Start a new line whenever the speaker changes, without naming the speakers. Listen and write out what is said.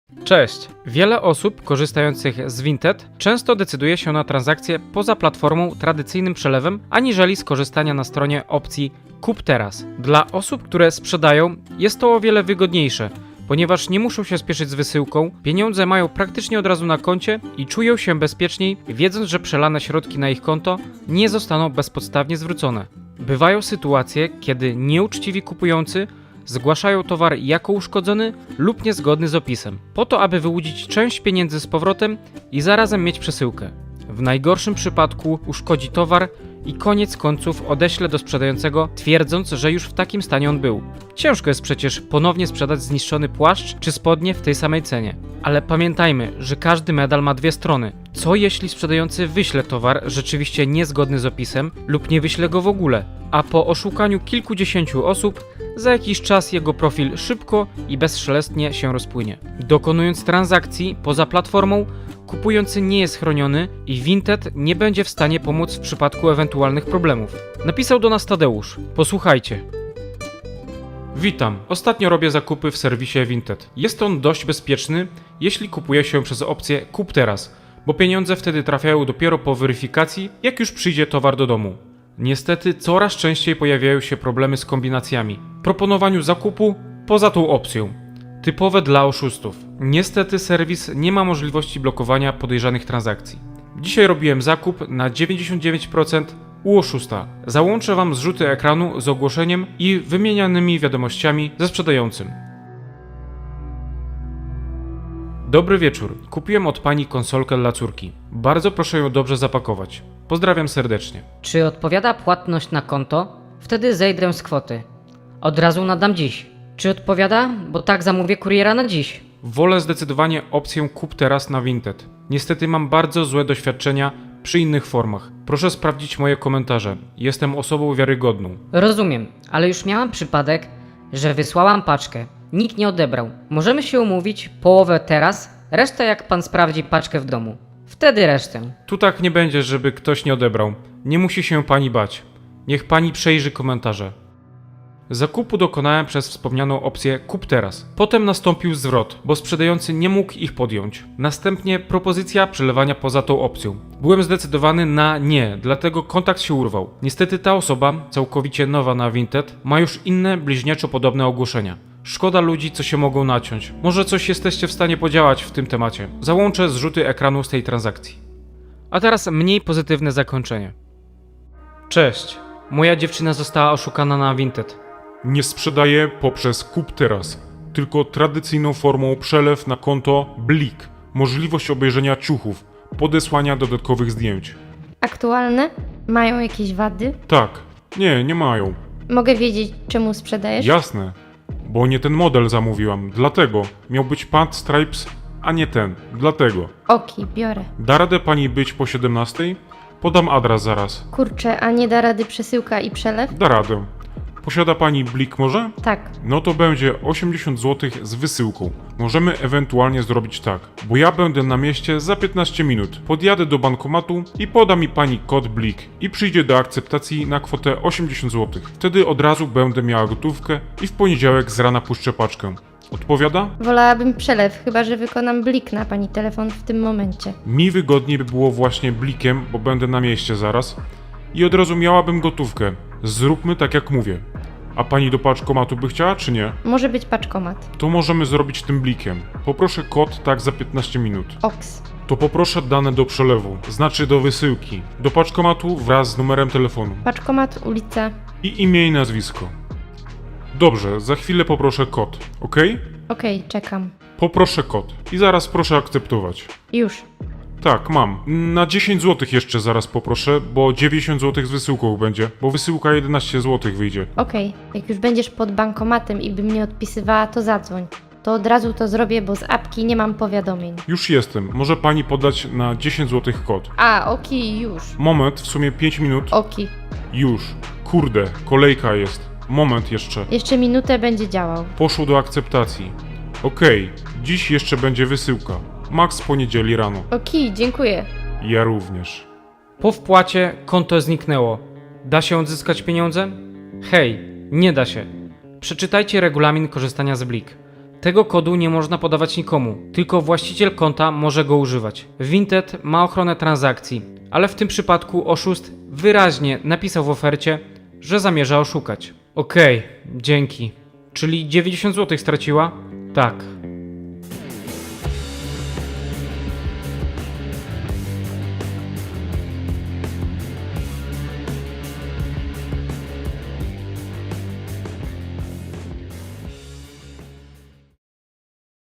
Cześć! Wiele osób korzystających z Vinted często decyduje się na transakcje poza platformą tradycyjnym przelewem, aniżeli skorzystania na stronie opcji Kup teraz. Dla osób, które sprzedają, jest to o wiele wygodniejsze, ponieważ nie muszą się spieszyć z wysyłką, pieniądze mają praktycznie od razu na koncie i czują się bezpieczniej, wiedząc, że przelane środki na ich konto nie zostaną bezpodstawnie zwrócone. Bywają sytuacje, kiedy nieuczciwi kupujący zgłaszają towar jako uszkodzony lub niezgodny z opisem, po to aby wyłudzić część pieniędzy z powrotem i zarazem mieć przesyłkę. W najgorszym przypadku uszkodzi towar i koniec końców odeślę do sprzedającego, twierdząc, że już w takim stanie on był. Ciężko jest przecież ponownie sprzedać zniszczony płaszcz czy spodnie w tej samej cenie. Ale pamiętajmy, że każdy medal ma dwie strony. Co jeśli sprzedający wyśle towar rzeczywiście niezgodny z opisem lub nie wyśle go w ogóle, a po oszukaniu kilkudziesięciu osób za jakiś czas jego profil szybko i bezszelestnie się rozpłynie. Dokonując transakcji poza platformą, kupujący nie jest chroniony i Vinted nie będzie w stanie pomóc w przypadku ewentualnych problemów. Napisał do nas Tadeusz. Posłuchajcie. Witam. Ostatnio robię zakupy w serwisie Vinted. Jest on dość bezpieczny, jeśli kupuje się przez opcję Kup teraz, bo pieniądze wtedy trafiają dopiero po weryfikacji, jak już przyjdzie towar do domu. Niestety coraz częściej pojawiają się problemy z kombinacjami. Proponowaniu zakupu poza tą opcją. Typowe dla oszustów. Niestety serwis nie ma możliwości blokowania podejrzanych transakcji. Dzisiaj robiłem zakup na 99% u oszusta. Załączę Wam zrzuty ekranu z ogłoszeniem i wymienianymi wiadomościami ze sprzedającym. Dobry wieczór. Kupiłem od Pani konsolkę dla córki. Bardzo proszę ją dobrze zapakować. Pozdrawiam serdecznie.
Czy odpowiada płatność na konto? Wtedy zejdę z kwoty. Od razu nadam dziś. Czy odpowiada? Bo tak zamówię kuriera na dziś.
Wolę zdecydowanie opcję Kup teraz na Vinted. Niestety mam bardzo złe doświadczenia przy innych formach. Proszę sprawdzić moje komentarze. Jestem osobą wiarygodną.
Rozumiem, ale już miałam przypadek, że wysłałam paczkę. Nikt nie odebrał. Możemy się umówić połowę teraz, resztę jak pan sprawdzi paczkę w domu. Wtedy resztę.
Tu tak nie będzie, żeby ktoś nie odebrał. Nie musi się Pani bać. Niech Pani przejrzy komentarze. Zakupu dokonałem przez wspomnianą opcję Kup teraz. Potem nastąpił zwrot, bo sprzedający nie mógł ich podjąć. Następnie propozycja przelewania poza tą opcją. Byłem zdecydowany na nie, dlatego kontakt się urwał. Niestety ta osoba, całkowicie nowa na Vinted, ma już inne bliźniaczo podobne ogłoszenia. Szkoda ludzi, co się mogą naciąć. Może coś jesteście w stanie podziałać w tym temacie. Załączę zrzuty ekranu z tej transakcji. A teraz mniej pozytywne zakończenie. Cześć. Moja dziewczyna została oszukana na Vinted.
Nie sprzedaję poprzez Kup teraz, tylko tradycyjną formą przelew na konto Blik. Możliwość obejrzenia ciuchów, podesłania dodatkowych zdjęć.
Aktualne? Mają jakieś wady?
Tak, nie mają.
Mogę wiedzieć, czemu sprzedajesz?
Jasne, bo nie ten model zamówiłam, dlatego. Miał być Pant Stripes, a nie ten, dlatego.
Oki, biorę.
Da radę pani być po 17? Podam adres zaraz.
Kurczę, a nie da rady przesyłka i przelew?
Da radę. Posiada pani Blik może?
Tak.
No to będzie 80 zł z wysyłką. Możemy ewentualnie zrobić tak, bo ja będę na mieście za 15 minut. Podjadę do bankomatu i poda mi pani kod Blik i przyjdzie do akceptacji na kwotę 80 zł. Wtedy od razu będę miała gotówkę i w poniedziałek z rana puszczę paczkę. Odpowiada?
Wolałabym przelew, chyba że wykonam blik na pani telefon w tym momencie.
Mi wygodniej by było właśnie Blikiem, bo będę na mieście zaraz i od razu miałabym gotówkę. Zróbmy tak jak mówię. A pani do paczkomatu by chciała, czy nie?
Może być paczkomat.
To możemy zrobić tym Blikiem. Poproszę kod tak za 15 minut.
Oks.
To poproszę dane do przelewu, znaczy do wysyłki. Do paczkomatu wraz z numerem telefonu.
Paczkomat, ulica.
I imię i nazwisko. Dobrze, za chwilę poproszę kod, ok?
Okej, czekam.
Poproszę kod i zaraz proszę akceptować.
Już.
Tak, mam. Na 10 zł jeszcze zaraz poproszę, bo 90 zł z wysyłką będzie, bo wysyłka 11 zł wyjdzie.
Okej. Jak już będziesz pod bankomatem i bym nie odpisywała, to zadzwoń. To od razu to zrobię, bo z apki nie mam powiadomień.
Już jestem. Może pani podać na 10 zł kod.
A, oki, już.
Moment, w sumie 5 minut.
Oki.
Już. Kurde, kolejka jest. Moment jeszcze.
Jeszcze minutę będzie działał.
Poszło do akceptacji. Okej, dziś jeszcze będzie wysyłka. Max poniedzieli rano.
Oki, dziękuję.
Ja również.
Po wpłacie konto zniknęło. Da się odzyskać pieniądze? Hej, nie da się. Przeczytajcie regulamin korzystania z Blik. Tego kodu nie można podawać nikomu, tylko właściciel konta może go używać. Vinted ma ochronę transakcji, ale w tym przypadku oszust wyraźnie napisał w ofercie, że zamierza oszukać. Okej, dzięki. Czyli 90 zł straciła? Tak.